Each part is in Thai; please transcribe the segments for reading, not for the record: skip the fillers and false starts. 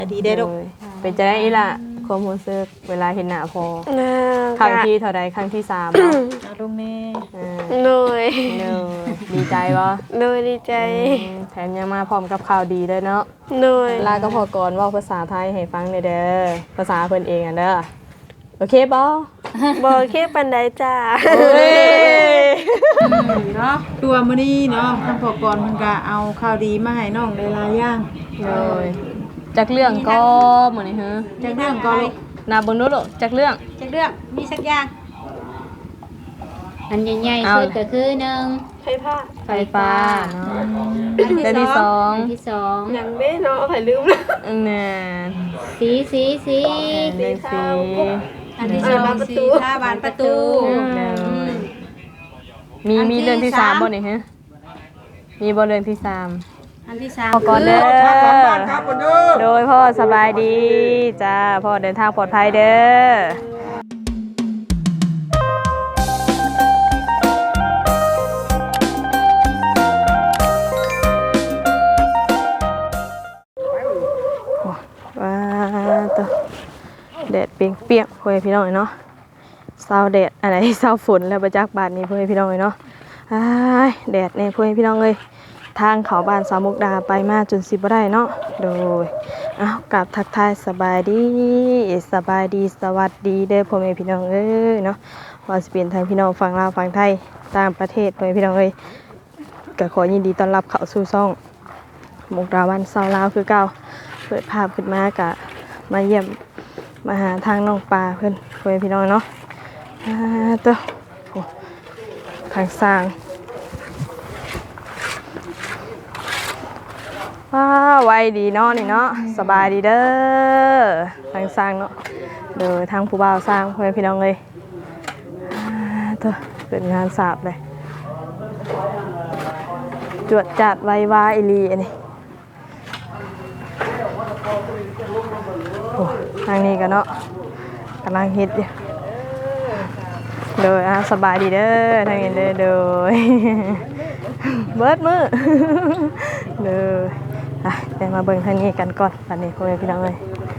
ดีได้ลูกเป็นจะได้อีล่ะความรู้สึกเวลาเห็นหน้าพอครั้งที่เท่าใดครั้งที่3 เอาลงแน่เหนื่อยดีใจบ่เหนื่อยดีใจแถมยังมาพร้อมกับข่าวดีด้วยเนาะเหนื่อยลาก็พอก่อนว่าภาษาไทยให้ฟังเด้อภาษาเพิ่นเองอ่ะเด้อโอเคบ่บ่โอเคปานใดจ้าเนาะตัวมื้อนี้เนาะทางพอกรเพิ่นก็เอาข่าวดีมาให้น้องได้หลายอย่างเลยจากเรื่องก็มื้อนี้ฮะจากเรื่องก็ลูกนาเบิ่งดูลูกจากเรื่องมีสักอย่างอันใหญ่ๆสุดก็คือ1 ไฟฟ้าเนาะเรื่องที่2 ยังเด้เนาะไผลืมแล้วน่ะสีอันที่2สีผ้าบานประตูมีเรื่องที่3บ่นี่ฮะมีบ่เรื่องที่3 อันที่3 พ่อก่อนเด้อโดยพ่อสบายดีจ้าพ่อเดินทางปลอดภัยเด้อว้าตัวแดดเปียกๆพ่อพี่น้องเนาะเศร้าแดดอะไรเศร้าฝนแล้วประจักษ์บาดนี้พ่อพี่น้องเนาะแดดเนี่ยพ่อพี่น้องเลยทางเขาบ้านสาวมุกดาไปมาจนสิบ่ได้เนาะโดยกลับทักทายสบายดีสวัสดีเด้อพ่อแม่พี่น้องเนาะว่าสิเป็นทางพี่น้องฝั่งลาวฝั่งไทยต่างประเทศพ่อแม่พี่น้องก็ขอยินดีต้อนรับเข้าสู่ช่องมุกดาวันสาวลาวคือเก่าเปิดภาพขึ้นมากะมาเยี่ยมมาหาทางน้องปลาเพิ่นพ่อแม่พี่น้องเนาะตัวทางสร้างไวดีเนาะนี่เนาะสบายดีเด้อทางสร้างเนาะเด้อทางผู้บ่าวสร้างพ่อแม่พี่น้องเลยตัวเป็นงานสาบเลยจวดจัดไววาอีลีอันนี้ทางนี้กันเนาะกำลังฮิตอยู่เด้อสบายดีเด้อทางนี้เด้อเด้อเบิดมือเด้อเดี๋ยวมาเบิ่งทางนี้กันก่อนตอนนี้พ่อแม่พี่น้องเลย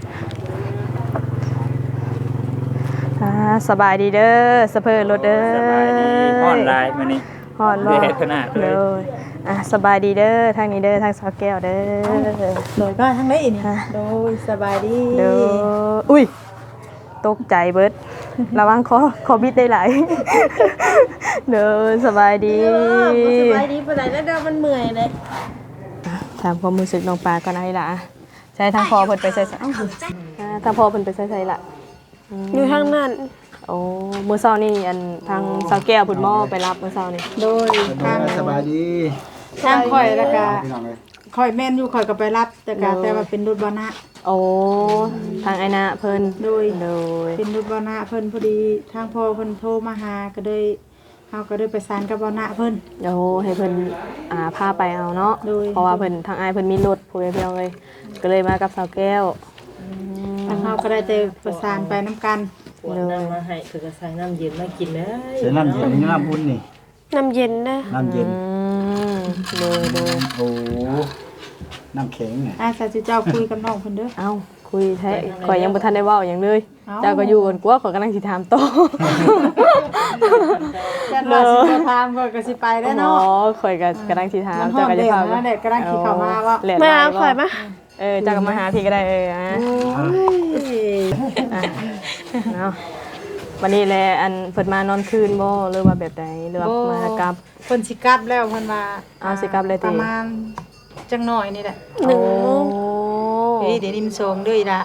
สบายดีเด้อสะเพอรถเด้อสบายดีฮอนไลน์มานี่ฮอนบ่เด็ดขนาดเลยสบายดีเด้อทางนี้เด้อทางสาวแก้วเด้อโดยก็ทางไหนอีนี่โดยสบายดีเด้ออุ้ยตกใจเบิดระวังคอบิดได้หลายเด้อสบายดีสบายดีปานใดแล้วเด้อมันเมื่อยเลยถามความรู้สึกน้องปลาก่อนให้ล่ะใช่ทางพ่อเพิ่นไปใส่ทางพ่อเพิ่นไปใส่ล่ะอยู่ทางนั้นโอ้มื้อเช้านี่อันทางสาวแก้วพุ่นหม้อไปรับมื้อเช้านี่โดยทางสบายดีทางข่อยแล้วก็ข่อยแม่นอยู่ข่อยก็ไปรับแต่ว่าเป็นรถบานะโอ้ทางไอ้นะเพิ่นโดยเป็นรถบานะเพิ่นพอดีทางพ่อเพิ่นโทรมาหาก็เลยเฮาก็ได้ประสานกับบานะเพิ่นโอ้ให้เพิ่นพาไปเอาเนาะเพราะว่าเพิ่นทางอ้ายเพิ่นมีรถผู้ใหญ่เพียงเลยก็เลยมากับสาวแก้วทางเฮาก็ได้แต่ประสานไปนํกันน้ำมาให้เพิ่นก็ใส่น้ำเย็นมากินเลยใส่น้ำเย็นน้ำบุญนี่น้ำเย็นนะน้ำเย็นเลยโอ้น้ำแข็งเนี่ยซาจิเจ้าคุยกับน้องเพิ่นเด้อเอ้าคุยแท้ข่อยยังบ่ทันได้เว้าหยังเลยเจ้าก็อยู่กันกว่าข่อยกำลังสิถามต่อจัดว่าสิถามก็สิไปได้เนาะข่อยก็กำลังสิถามเจ้าก็จะพานั่นแหละกำลังสิเข้ามาว่ามาข่อยมาเจ้าก็มาหาพี่ก็ได้เนาะวันนี้แหละอันเพิ่นมานอนคืนบ่หรือว่าแบบใดหรือว่ามากลับเพิ่นสิกลับแล้วเพิ่นว่าสิกลับเลยประมาณจังหน่อยนี่แหละ 1 โมงเดี๋ยวนี้มัน2เด้ออีล่ะ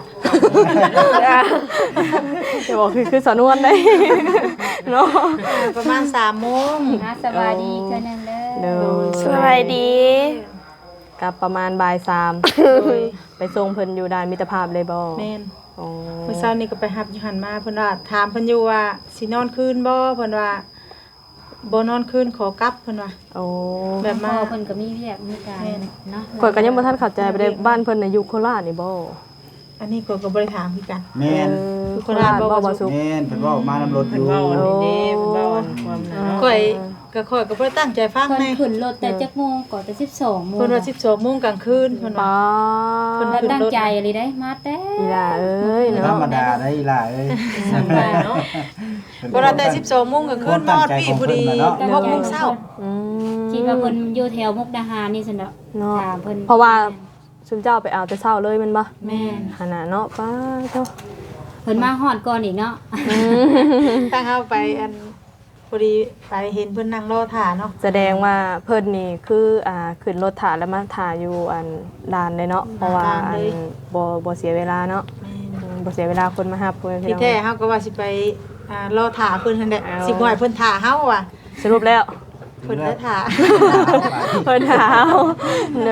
จะบอกคือสอนวนได้เนาะประมาณ3 โมงสบายดีเท่านั้นเด้อสบายดีกลับประมาณบ่าย 3ไปส่งเพิ่นอยู่ด่านมิตรภาพเลยบ่แม่นเมื่อเช้านี้ก็ไปรับอยู่หันมาเพิ่นว่าถามเพิ่นอยู่ว่าสินอนคืนบ่เพิ่นว่าบ่นอนคืนขอกลับเพิ่นว่าแบบมาเพิ่นก็มีเวียกมีการเนาะข่อยก็ยังบ่ทันเข้าใจไปได้บ้านเพิ่นน่ะอยู่โคราชนี่บ่อันนี้ข่อยก็บ่ได้ถามคือกันแม่นโคราชบ่สุแม่นเพิ่นเว้ามานำรถอยู่เว้านี่เด้เว้าความข่อยก็ค่อยก็บ่ได้ตั้งใจฟังเพิ่นแน่ขึ้นรถแต่จักโมงก่อนแต่12โมงเพิ่นว่า12 โมงกลางคืนเพิ่นว่าป้าเพิ่นแล้วตั้งใจอะไรได้มาแต่อีหล่าเอ้ยธรเนาะรมดาได้อีหล่ะเอ้ยเนาะบ่ได้แต่12 โมงกลางคืนนอนพี่พอดี6 โมงเช้าอืมคิดว่าเพิ่นอยู่แถวมุกดาหารนี่ซั่นดอกเนาะถามเพิ่นเพราะว่าซุมเจ้าไปเอาแต่เช้าเลยแมันบ่แม่นขนาดเนาะป้าเจ้าเพิ่นมาฮอดก่อนอีกเนาะตั้งเฮาไปอันพอดีไปเห็นเพิ่นนั่งรอท่าเนาะแสดงว่าเพิ่นนี่คือขึ้นรถถ่าแล้วมาถ่าอยู่อันลานเลยเนาะเพราะว่าอันบ่เสียเวลาเนาะบ่เสียเวลาคนมารับเพิ่นที่แท้เฮาก็ว่าสิไปรอท่าเพิ่นนั่นแหละสิบ่ให้เพิ่นท่าเฮาว่ะสรุปแล้วเพิ่นได้ท่าเพิ่นหาวเลย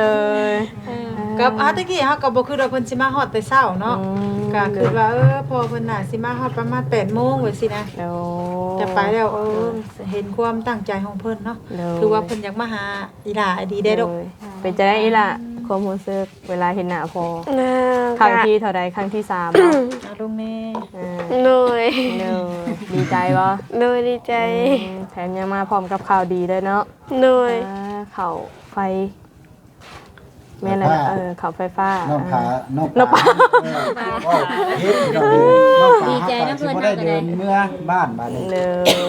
กับตะกี้เฮาก็บ่คิดว่าเพิ่นสิมาฮอดแต่เช้าเนาะก็คิดว่าพอเพิ่นน่ะสิมาฮอดประมาณ 8 โมงว่าสินะเดี๋ยวจะไปแล้วเห็นความตั้งใจของเพิ่นเนาะเดี๋ยวคือว่าเพิ่นอยากมาหาอีหล่าดีได้ดอกเป็นจะได้อีล่ะความรู้สึกเวลาเห็นหน้าพอนะครั้งที่เท่าใดครั้งที่3เนาะเอาลงแม่เหนื่อยเนอดีใจบ่เหนื่อยดีใจแถมยังมาพร้อมกับข่าวดีด้วยเนาะเหนื่อยข่าวไฟแม่นอะไรข่าวไฟฟ้าน้องผาน้องน้องผาเฮ็ดน้องผาสิบ่ได้เดินเมื่อบ้านบาดนี้เลย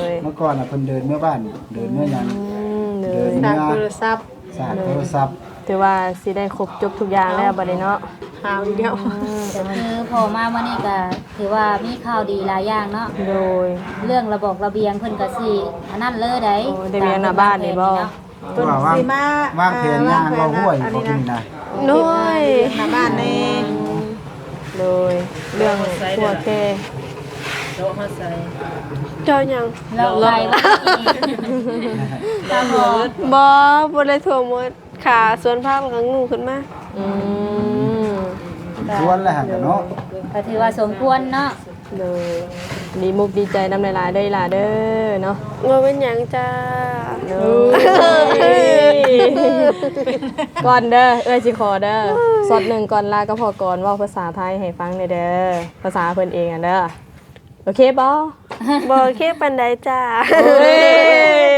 เมื่อก่อนน่ะเพิ่นเดินเมื่อบ้านเดินเมื่อหยังเลเดิยนจากโทรศัพท์สาดโทรศัพท์ถือว่าสิได้ครบจบทุกอย่างแล้วบัดนี้เนาะหาวอีกแล้วก็คือพอมาวันนี้ก็ถือว่ามีข่าวดีหลายอย่างเนาะโดยเรื่องระบบระเบียงเพิ่นก็สิอันนั้นเลยได้โอ้ได้เรียนหน้าบ้านนี่บ่เพิ่นสิมาวางแผนงานเราห้วยบ่กินนะเหนื่อยหน้าบ้านแน่เลยเรื่องพวกแค่โลมาใส่เจ้าหยังเราไปว่าอีกตามหอบ่ได้ถั่วหมดขาสวนผ้ามันก็งูขึ้นมาอืมชวนแล้วหั่นเนาะก็ถือว่าสมควรเนาะเลยดีมุกดีใจนำหลายๆได้ล่ะเด้อเนาะบ่เป็นหยังจ้าเด้ก่อนเด้อสิขอเด้อสดหนึ่งก่อนลาก็พอก่อนเว้าภาษาไทยให้ฟังเด้อภาษาเพิ่นเองอ่ะเด้อโอเคบ่บ่เคปานใดจ้าเฮ้ย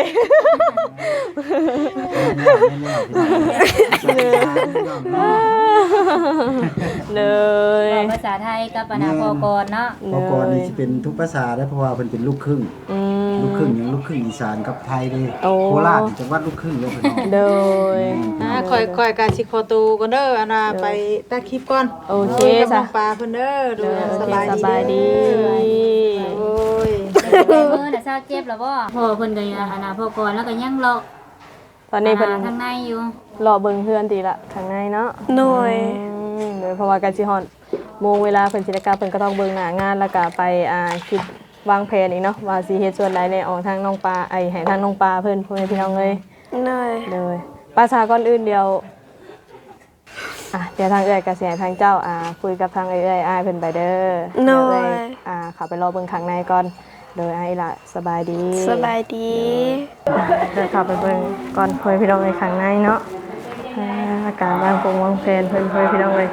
เลยบอกภาษาไทยกับอนาพอกรเนาะพอก่อนนี่สิเป็นทุกภาษาได้เพราะว่าเพิ่นเป็นลูกครึ่ง ลูกครึ่งหยังลูกครึ่งอีสานกับไทยเด้โคราชนี่จังหวัดลูกครึ่งเลยเพิ่นเนาะโดยค่อยๆก็สิขอตัวก่อนเด้ออันน่ะไปตัดคลิปก่อนโอเคกับน้จ้ะองปลาเพิ่นเด้อดูโอสเคบายสดีบายดีโอ้ยในมือน่ะทราบเจ็บแล้วบ่พอเพิ่นก็อนาพอกรแล้วก็ยังรอตอนนี้เพิ่นทางในอยู่รอเบิ่งเพื่อนตีละข้างในเนาะเหนื่อยโดยเพราะว่าการสิฮอดโมงเวลาเพิ่นสิได้กลับเพิ่นก็ต้องเบิ่งหน้างานแล้วก็ไปคิดวางแผนอีกเนาะว่าสิเฮ็ดส่วนใดในออกทางน้องปลาให้ทางน้องปลาเพิ่นพ่อแม่พี่น้องเอ้ยเหนื่อยเลยภาษาก่อนอื่นเดียวเดี๋ยวทางเอ้ยก็สิให้ทางเจ้าคุยกับทางเอ้ยอ้ายเพิ่นไปเด้อเหนื่เดี๋ยวอเอ้ยยเข้าไปรอเบิ่งข้างในก่อนโดยอ้ายล่ะสบายดีสบายดีเดินเข้าไปเบิ่งก่อนพ่อแม่พี่น้องเอ้ยข้างในเนาะอาการวางปงวางแผนเพิ่นพ่อแม่พี่น้องเอ้ย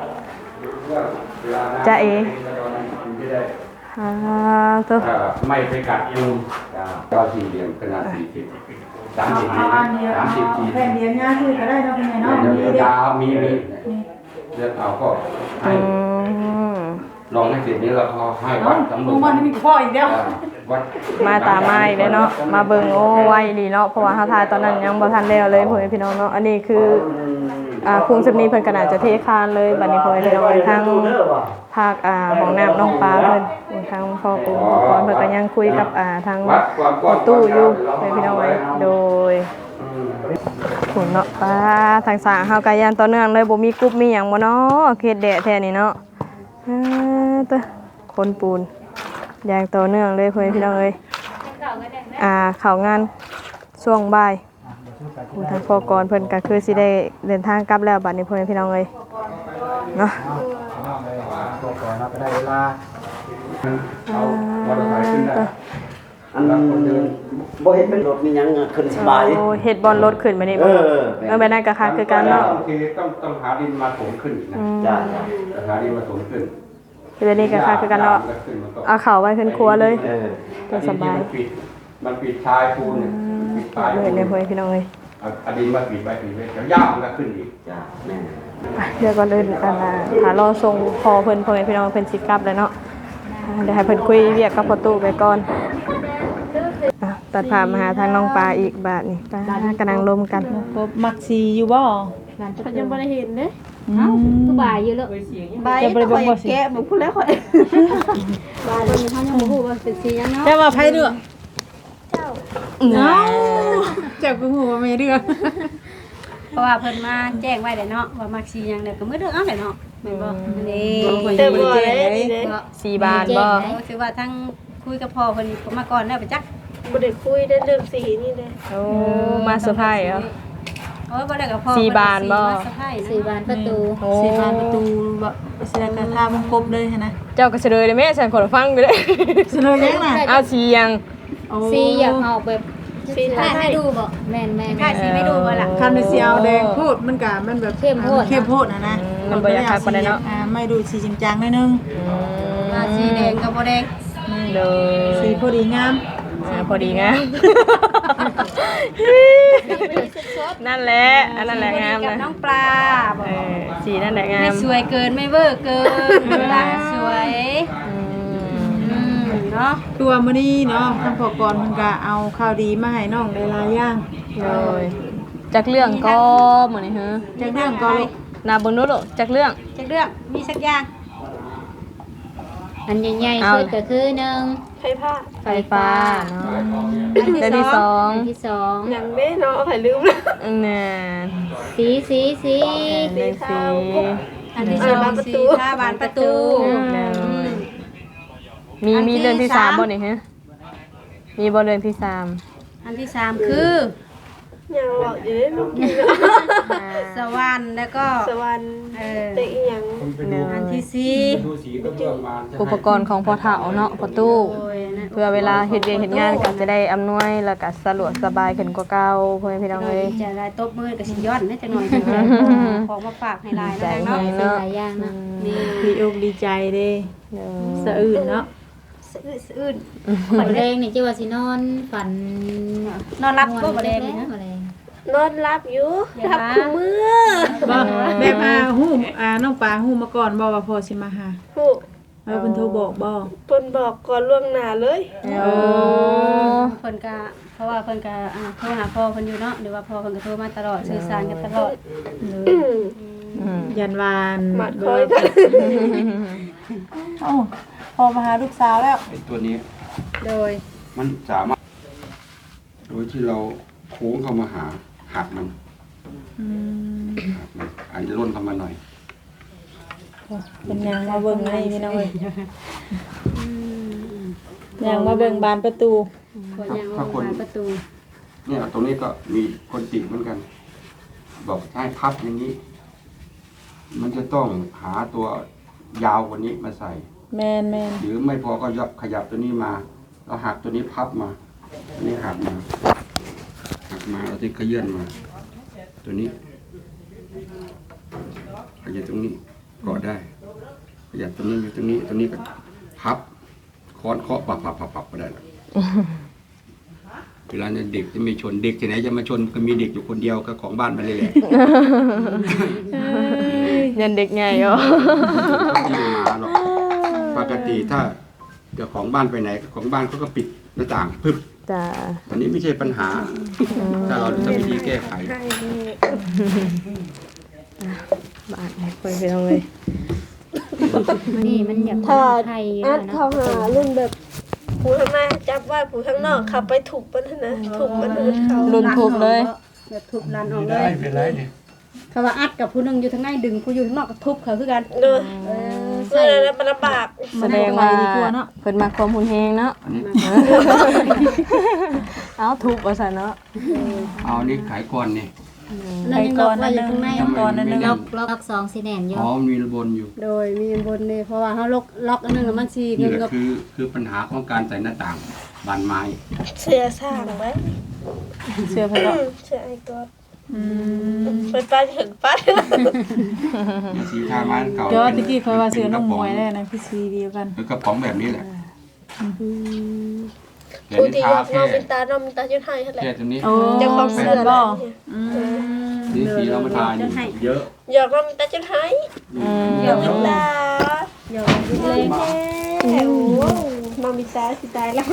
จ้าเอตัวไม่ไปกัดยุงก็สี่เหลี่ยมขนาด40 30 ทีแผ่นเดียวง่ายคือก็ได้เนาะเป็นไงเนาะยาวมีเลือกเอาก็ให้ลองให้เสร็จนี้แล้วก็ให้วัดสำรวจวันนี้มีพ่ออีกแล้ววัดมาตามมาอีกเลยเนาะมาเบิ่งโอ้ไวดีเนาะเพราะว่าเฮาทายตอนนั้นยังบ่ทันแล้วเลยพ่อแม่พี่น้องเนาะอันนี้คือคุงสำนีเพิ่นก็น่าจะเทคานเลยบัดนี้พ่อแม่พี่น้องทางภาคของน้ำน้องปลาเพิ่นทางพ่อปู่ก่อนเพิ่นก็ยังคุยกับทางวัดความกว้างตู้อยู่พ่อแม่พี่น้องเอ้ยโดยขุนเนาะป้าทางสร้างเฮาก็ยันต่อเนื่องเลยบ่มีกรุ๊ปมีหยังบ่เนาะเขตแดดแท้นี่เนาะตะคนปูนอย่างต่อเนื่องเลยพ่อแม่พี่น้องเอ้ยเข้างานช่วงบ่ายทางพ่อกรเพิ่นก็คือสิได้เดินทางกลับแล้วบัดนี้พ่อแม่พี่น้องเอ้ยเนาะตัวก่อนเราก็ได้เวลาเอามอเตอร์ไซค์ขึ้นได้อันบ่เห็นเป็นรถมีหยังขึ้นสบายโอ้เฮ็ดบอลรถขึ้นมานี่บ่แบบนั้นก็คักคือกันเนาะโอเคต้องหาดินมาถมขึ้นอีกนะจ้าหาดินมาถมขึ้นแบบนี้ก็คักคือกันเนาะเอาเข้าไว้ขึ้นครัวเลยเออก็สบายมันปิดชายปูนเนี่ยปิดตายเลยเลยพี่น้องเลยอดีตมาปีไปปีไปแล้วย่ามันก็ขึ้นอีกจ้าแม่เดี๋ยวก่อนอื่นหารอส่งพอเพิ่นพ่อแม่พี่น้องเพิ่นสิกลับแล้วเนาะเดี๋ยวให้เพิ่นคุยเรียกกับประตูไปก่อนตัดภาพมาหาทางน้องปลาอีกบาทนี่ปลากำลังลมกันพบมักซีอยู่บ่เขายังบ่ได้เห็นเด้เอ้าคือบ่ายอยู่แล้วใบก็ค่อยแกะบ่พูดแล้วค่อยบ่ายมันเขายังบ่ฮู้ว่าเป็นสีหยังเนาะแต่ว่าไผเด้อเจ้าเจ้าก็ฮู้ว่าไม่เรื่องเพราะว่าเพิ่นมาแจ้งไว้แล้วเนาะว่ามักสีหยังแล้วก็มื้อเด้อเอาแหละเนาะแม่นบ่นี่เติมบ่ได้นี่เด้ 4 บาทบ่คือว่าทั้งคุยกับพ่อเพิ่นมาก่อนแล้วไปจักบ่ได้คุยได้เรื่องสีนี่เด้โอ้มาเซอร์ไพรส์เหรอโอ้ยบ่ได้กับพ่อสี่บานบ่สี่บานประตูสิผ่านประตูบ่สิได้กระทามันครบเลยหั่นนะเจ้าก็เฉลยเลยแม่ฉันขอฟังอยู่เด้สิเลยยังน่ะเอาสีหยังสีอยากเอาแบบสีให้ดูบ่แม่นๆค่าสีไม่ดูบ่ล่ะคันไปสิเอาแดงโพดมันก็มันแบบเข้มโพดเข้มโพดนะมันบ่อยากคักปานใดเนาะไม่ดูสีจริงจังหน่อยนึงมาสีแดงกับบ่แดงเลยสีพอดีงามพอดีงามนั่นแหละอันนั่นแหละงามกับนะน้องปลาบ่สีนั่นแหละงาไม่มสวยเกินไม่เวอร์เกินเวลาสวยเนาะตัวมื้อนี้เนาะทางพอกรเพิ่นก็เอาข่าวดีมาให้น้องได้หลายอย่างเลยจากเรื่องก็เหมือนนี่ฮะจากเรื่องก็ลูกนาเบิ่งดูลูกจากเรื่องจักเรื่องมีสักอย่างอันใหญ่ๆสุดก็คือ1 ไผผ้าไฟฟ้าเนาะเรื่องที่สองอันที่2 หยังแม่เนาะไผลืมแล้วเนี่ยสีเรื่องสีอันที่2สีผ้าบานประตูมีเรื่องที่สามบ่นี่ฮะมีบ่เรื่องที่สามอันที่3คือยังบอกอยู่เด้ลูกกินสวรรค์แล้วก็สวรรค์เแต่อีหยังอันที่สี่ดูสีก็เรื่องมาอุปกรณ์ของพ่อเฒ่าเนาะประตูโอ้ยนะเพื่อเวลาเฮ็ดเวียกเฮ็ดงานก็จะได้อำนวยแล้วก็สะดวกสบายขึ้นกว่าเก่าพ่อแม่พี่น้องเอ้ยจะได้ตบมือกับสิย้อนนะจังหน่อยของมาฝากให้หลายนะเนาะเป็นหลายอย่างนะนี่ดีอกดีใจเด้สะอื่นเนาะสะอื้นฝันแรงนี่จิว่าสินอนฝันนอนรับก็บ่แดงนะบ่แดงนอนรับอยู่รับคู่มือบ่แบบฮู้น้องปลาฮู้มาก่อนบ่ว่าพ่อสิมาหาฮู้เพิ่นโทรบอกบ่เพิ่นบอกก่อนล่วงหน้าเลยโอ้เพิ่นก็เพราะว่าเพิ่นก็โทรหาพ่อเพิ่นอยู่เนาะหรือว่าพ่อเพิ่นก็โทรมาตลอดสื่อสารกันตลอดยันวานมาคอยกันเอ้าพอมาหาลูกสาวแล้วไอ้ตัวนี้โดยมันสามารถโดยที่เราโค้งเข้ามาหาหักมันหักมันอาจจะล่นเข้ามาหน่อยเป็นยังมาเบิ่งให้พี่น้องเอ้ยยังมาเบิ่งบานประตูขอยางว่าบานประตูเนี่ยตรงนี้ก็มีคนติเหมือนกัน บอกให้พับอย่างนี้ มันจะต้องหาตัวยาวกว่านี้มาใส่แมนหรือไม่พอก็ขยับตัวนี้มาแล้วหักตัวนี้พับมาตัวนี้หักมาเราจะขยื่นมา ตัวนี้ขยับตรงนี้เกาะได้ขยับตรงนี้อยู่ตรงนี้ตัวนี้ก็พับค้อนเคาะปับก็ได้แล้วเวลาเนี่ยเด็กจะไม่ชนเด็กที่ไหนจะมาชนก็มีเด็กอยู่คนเดียวก็ของบ้านมันเลยแหละยันเด็กใหญ่เหรอต้องมีมาหรอกปกติถ้าเจ้าของบ้านไปไหนของบ้านเขาก็ปิดหน้าต่างปึ๊บจ้าตอนนี้ไม่ใช่ปัญหา ถ้าเราจะวิธีแก้ไขบาทไหนคุยไปตรงเลยนี่มันอยากถ้าไทยอัดเนาะเข้าหารุ่นแบบผู้ข้างหน้าจับไว้ผู้ข้างนอกขับไปถูกมันนะถูกมันเขารุนทุบเลยแบบทุบลันออกเลยเป็นไรนี่เขาว่าอัดกับผู้นึงอยู่ทางในดึงผู้อยู่ข้างนอกก็ทุบเขาคือกันเนอะเพื่อแล้วมันลำบากแสดงว่าเพิ่นมาความหุ่นแฮงเนาะอันนี้เอาทุบว่าซั่นเนาะเอานี่ขายก่อนนี่นั่นยังล็อกไว้อยู่ข้างในก่อนนั่นนึงล็อก2สีแดงอยู่อ๋อมีระบนอยู่โดยมีบนนี่เพราะว่าเฮาล็อกอันนึงแล้วมันสินี่เงินแหละกับคือปัญหาของการใส่หน้าต่างบานไม้เสียสร้างไหมเสื้อเพิ่นเนาะเสียไอ้ก๊อดเป็นป้าถึงป้ามีสีทาไม้เก่าเดี๋ยวตะกี้เขาว่าเสื้อน้องมวยแล้วนะคือสีเดียวกันคือกระป๋องแบบนี้แหละแขนผู้นี่ที่ทาอยากแค่น้องมินตาน้องมินตาจุดให้เท่าไหร่แค่ตรงนี้โอ้เจ้าของเสื้อบ่นี่สีเรามาทาอยู่เยอะอยากน้องมินตาจุดให้น้องมินตาเดี๋ยวเล่นแม่โอ้น้องมินตาสิตายแล้ว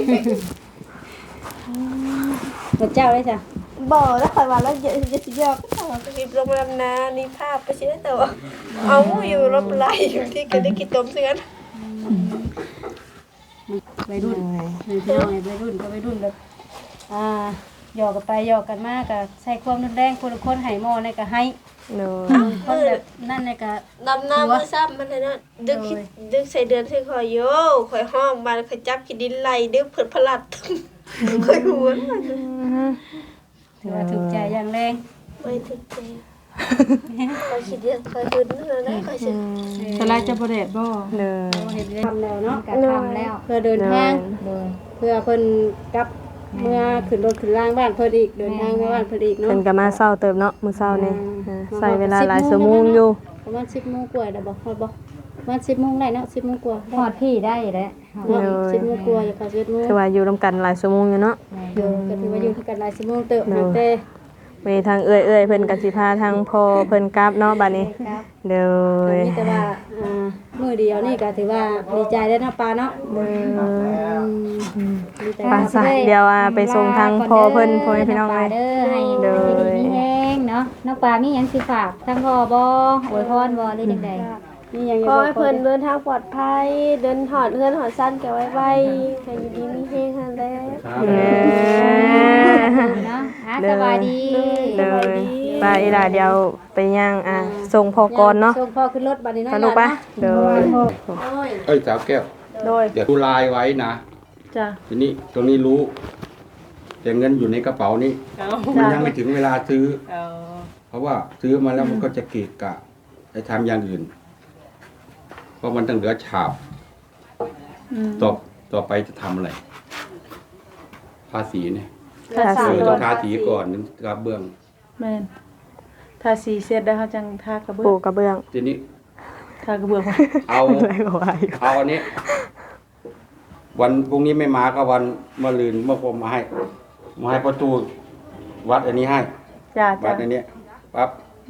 พระเจ้าได้จ้ะบ่แล้วคอยว่าแล้วจะสิยอกก็มีโรงแรมนานี่ภาพไปสิได้แต่ว่าเอาอยู่รบไหลอยู่ที่ก็ได้กินต้มเสือนวัยรุ่นพี่น้องวัยรุ่นก็วัยรุ่นแบบหยอกกันไปหยอกกันมากก็ใส่ความรุนแรงคนละคนให้หม้อในก็ให้โดยคนแบบนั่นในก็ดำน้ำมือซ้ำมันเลยนะดึกใส่เดือนใส่คอยโย่คอยห้องมาคอยจับกินดินไหลดึกเผิดพลัดคอยหัวถือว่าถูกใจอย่างแรงไม่ถึงใจคอยคิดเยอะคอยคืนนั่นนะคอยเชื่อสลายจะบ่แดดบ่โดยเห็นทำแล้วเนาะการทำแล้วเพื่อเดินทางเพื่อเพิ่นกลับเมื่อขึ้นรถขึ้นล่างบ้านเพิ่นอีกเดินทางมาบ้านเพิ่นอีกเนาะเพิ่นก็มาเช้าเติบเนาะมื้อเช้านี่ใส่เวลาหลายชั่วโมงอยู่ประมาณ10 โมงกว่าได้บ่ฮอดบ่ประมาณ10 โมงได้เนาะ10 โมงกว่าพอดพี่ได้แล้วเนาะ10 โมงกว่าอย่าเข้า11 โมงคือว่าอยู่นํกันหลายชั่วโมงอยู่เนาะเดี๋ยวก็ถือว่าอยู่กันหลายชั่วโมงเติบแต่มีทางเอื้อยๆเพิ่นก็สิพาทางพ่อเพิ่นกลับเนาะบัดนี้โดยนี่แต่ว่ามื้อเดียวนี่ก็ถือว่าดีใจได้นะปาเนาะดีใจไปซะเดี๋ยวไปส่งทางพ่อเพิ่นพ่อให้พี่น้องเลยเด้อให้ดีมีแห้งเนาะน้องปลามีหยังสิฝากทั้งพ่อบ่อวยพรบ่หรือจังได๋นี่ยังขอให้เพิ่นเดินทางปลอดภัยเดินหอดเฮือนหอดสั้นแกไว้ไว้ให้อยู่ดีมีเฮงหันแล้วเนาะสบายดีเลยไปอีหล่าเดี๋ยวไปย่างส่งพ่อก่อนเนาะส่งพ่อขึ้นรถบัดนี้เนาะไปลูกปะเดี๋ยวเอ้ยสาวแก้วโดยเดี๋ยวดูลายไว้นะจ้ะทีนี้ตรงนี้รู้แต่เงินอยู่ในกระเป๋านี้มันยังไม่ถึงเวลาซื้อเพราะว่าซื้อมาแล้วมันก็จะเกะกะไปทำอย่างอื่น เพราะมันต้องเหลือฉาบต่อไปจะทำอะไรภาษีเนี่ยทาสีต้องทาสีก่อนถึงกระเบื้องแม่นทาสีเสร็จแล้วเขาจังทากระเบื้อปูงกระเบื้องทีนี้ทากระเบื้องเอาอะไรก็ว่าอยู่เอาอันนี้ วันพรุ่งนี้ไม่มาก็วันมะรืนเมื่อผมมาให้ประตูวัดอันนี้ให้จ้าวัจ้าดอันนี้ปั๊บ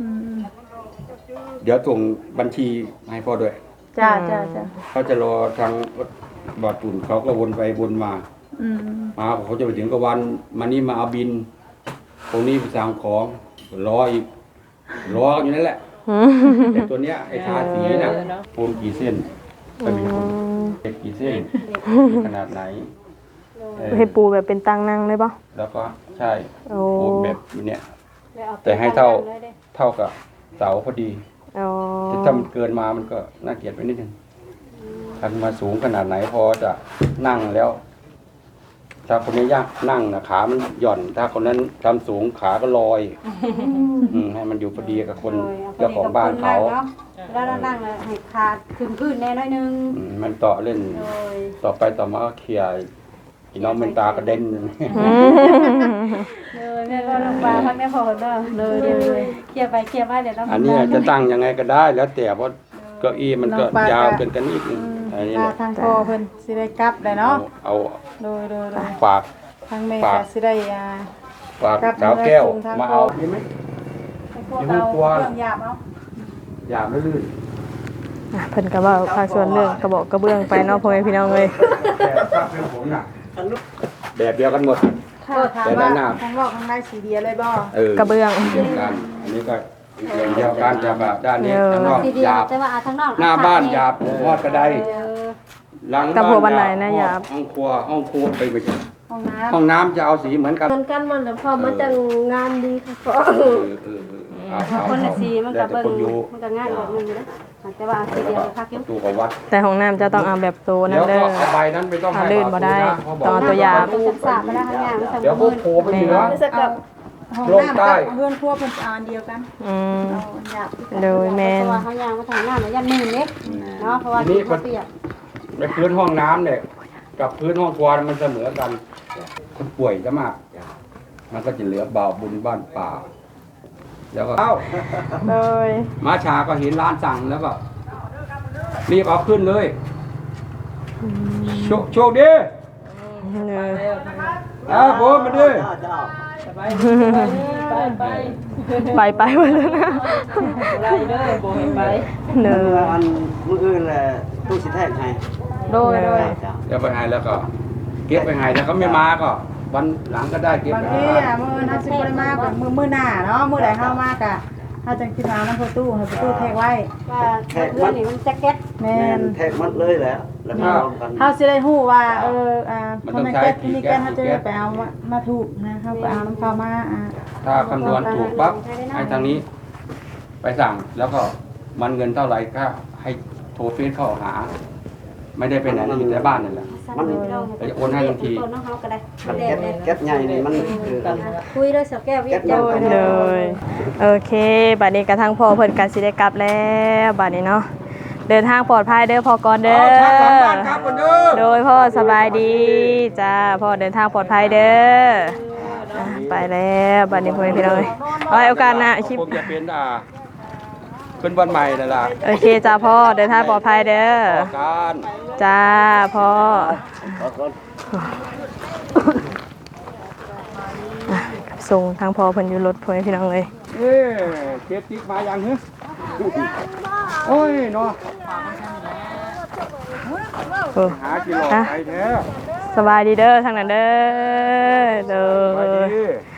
เดี๋ยวส่งบัญชีมาให้พ่อด้วยจ้าจ้าจ้าเขาจะรอทางบอดตุ่นเขาก็วนไปวนมามาเขาจะไปถึงก็วันมานี่มาเอาบินตรงนี้ไปสั่งของรออีกรออยู่นั่นแหละแต่ตัวเนี้ยไอ้ทาสีน่ะปูนกี่เส้นก็มีคนเด็กกี่เส้นขนาดไหนให้ปูแบบเป็นตังนั่งเลยป่ะแล้วก็ใช่โอ้ปูนแบบนี้แต่ให้เท่ากับเสาพอดีอ๋อแต่ถ้ามันเกินมามันก็น่าเกลียดไปนิดนึงถ้ามาสูงขนาดไหนพอจะนั่งแล้ว ถ้าคนนี้ยากนั่งนะขามันหย่อน ถ้าคนนั้นทำสูงขาก็ลอยให้มันอยู่พอดีกับคนเจ้าของบ้านเขาแล้วนั่งแล้วให้ขาขึ้นพื้นแน่น้อยนึงมันต่อเล่น ต่อไปต่อมาก็เคลียร์อีน้องเป็นตากระเด็นเลยแม่ก็ลงมาพักแม่พอเนาะเลยเคลียร์ไปเคลียร์มาเดี๋ยวเราอันนี้จะตั้งยังไงก็ได้แล้วแต่เพราะเก้าอี้มันก็ยาวเกินกันนิดนึงอันนี้ทาทางพ่อเพิ่นสิได้กลับได้เนาะเอาโดยฝากทางแม่ก็สิได้ฝากสาวแก้วมาเอาดีไหมพวกเราเครื่องหยาบเอาอย่าไม่ลื่นเพิ่นก็เว้าภาคส่วนเรื่องกระบอกกระเบื้องไปเนาะพ่อแม่พี่น้องเลยแต่ถ้าเป็นผมน่ะแบบเดียวกันหมดถ้าถามว่าทางนอกทางในสีเดียวเลยบ่กระเบื้องเดียวกันอันนี้ก็เดียวกันจะแบบด้านนี้ข้างนอกทีเดีหยวยาบแต่ว่าทางนอกหน้าบ้านหยาบทอดกระไดหลังกระบ้าโพบันไดนะหยาบห้องครัวไปไปห้องน้ห้องน้ำจะเอาสีเหมือนกันมันกันมันแต่พอมาจังงานดีค่ะพ่อคนละสีมันก็แต่เบิ่งคนอยู่มันก็ง่ายแบบนึงอยู่นะแต่ว่าสีเดียวพักอยู่ตู้กับวัดแต่ห้องน้ำจะต้องเอาแบบโตนั่เดี๋นยวเด้ก็อเอาใบนั้นไม่ต้องให้ลื่นบ่ได้ ต้องเอาตัวยาศึกษาไปแล้วข้างล่างมันเดี๋ยวพวกโผล่ไปเหนือจะกับำห้องน้ำกับเพื่อนครัวเพิ่นอันเดียวกันอืมเอาหยาบโดยแมนเพราะว่าเขายางมาทางหน้ามันยันมือเล็กเนาะเพราะว่าเขาเปียกในพื้นห้องน้ำเนี่ยกับพื้นห้องครัวมันเสมอกันคนป่วยจะมาก มันก็จะเหลือบ่าวบุญบ้านป่า แล้วก็เอ้าโดยมาชาก็เห็นร้านสั่งแล้วก็รีบเอาขึ้นเลยโชคดีผมมาดิไปหมดแล้วนะเนอันมื้ออื่นแหละตู้สิแท้ให้โดยเดี๋ยวไปให้แล้วก็ เก็บไปให้ถ้าเขาไม่มาก็ วันหลังก็ได้เก็บบางไปทีอ่ะมื้อน่าสิบ่ได้มากกว่ามื้อหน้าเนาะมื้อใดเฮามากะเฮาจังสิมานํประตูให้ประตูแทกไว้ว่าเพื่อนนี่มันแจ็คเก็ตแม่แม่นนแทกมัดเลยแหละแล้วมารวมกันเฮาสิได้ฮู้ว่าพอแม่เก็บนี่แกเฮาจะได้ไปเอามาถูกนะเฮาไปเอาน้ำเขามาถ้าคำนวณถูกปั๊บให้ทางนี้ ไปสั่งแล้วก็มันเงินเท่าไหร่ก็ให้โทรเฟซเข้าหา ไม่ได้ไปไหนอยู่แต่บ้านนั่นแหละมันไปโอนให้ทันทีน้องเฮาก็ได้มันแก๊สใหญ่นี่มันคือคุยด้วยสาวแก้ววิทย์เลยโอเคบัดนี้กระทั่งพ่อเพิ่นกันสิได้กลับแล้วบัดนี้เนาะเดินทางปลอดภัยเด้อพ่อก่อนเด้อชักหลังบ้านครับคนเด้อโดยพ่อสบายดีจ้าพ่อเดินทางปลอดภัยเด้อไปแล้วบัดนี้พ่อพี่น้องเอาไว้โอกาสหน้าคลิปผมจะเป็นขึ้นวันใหม่นั่นล่ะโอเคจ้าพ่อเดินทางปลอดภัยเด้อต่อการจ้าพ่อส่งทางพ่อเพิ่นอยู่รถพ่อพี่น้องเลยเก็บติ๊กมาอย่างฮึโอ้ยเนาะโอ้หากิโลไปแท้สบายดีเด้อทางนั้นเด้อเด้อไปดี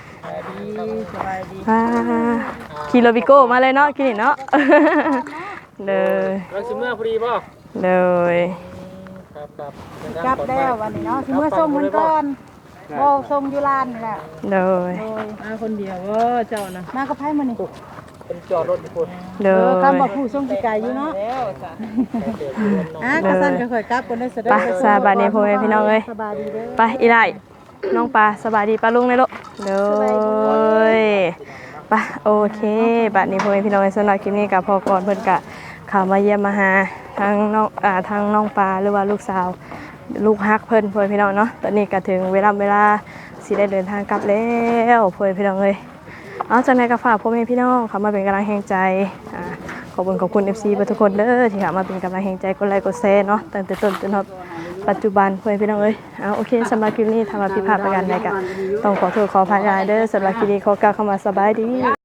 ขี่โรบิโก้มาเลยเนาะกินเนาะเด้อเราสิเมื่อพอดีป่ะเด้อกลับแล้ววันนี้เนาะสิมื้อส่งเพิ่นก่อนโอ้ส่งอยู่ร้านนี่แหละเด้อมาคนเดียวเจ้านะมากับไผมื้อนี้เป็นจอดรถทุกคนเด้อคำบอกผู้ส่งสิไกลอยู่เนาะกระสันก็ค่อยกลับคนได้เสด็จไปสบายดีพ่อแม่พี่น้องเอ้ยสบายดีเด้อไปอีไลน้องปลาสบายดีปลาลุงเลยลูกเด้อไปโอเคบัดนี้พ่อแม่พี่น้องสำหรับคลิปนี้กับพ่อก่อนเพิ่นกะเข้ามาเยี่ยมมาหาทางน้องปลาหรือว่าลูกสาวลูกฮักเพิ่นพ่อแม่พี่น้องเนาะตอนนี้ก็ถึงเวลาสิได้เดินทางกลับแล้วพ่อแม่พี่น้องเอ้ยเอาจากนั้นก็ฝากพ่อแม่พี่น้องเข้ามาเป็นกำลังแห่งใจขอบคุณ FC ทุกคนเด้อที่เข้ามาเป็นกำลังแห่งใจกดไลค์กดแชร์เนาะตั้งแต่ต้นจนถึงปัจจุบันพ่อแม่พี่น้องเอ้ยโอเคสำหรับคลิปนี้ทำมาผิดพลาดประการใดก็ต้องขอโทษขออภัยเด้อสำหรับคลิปนี้ขอกล่าวคำว่าสบายดี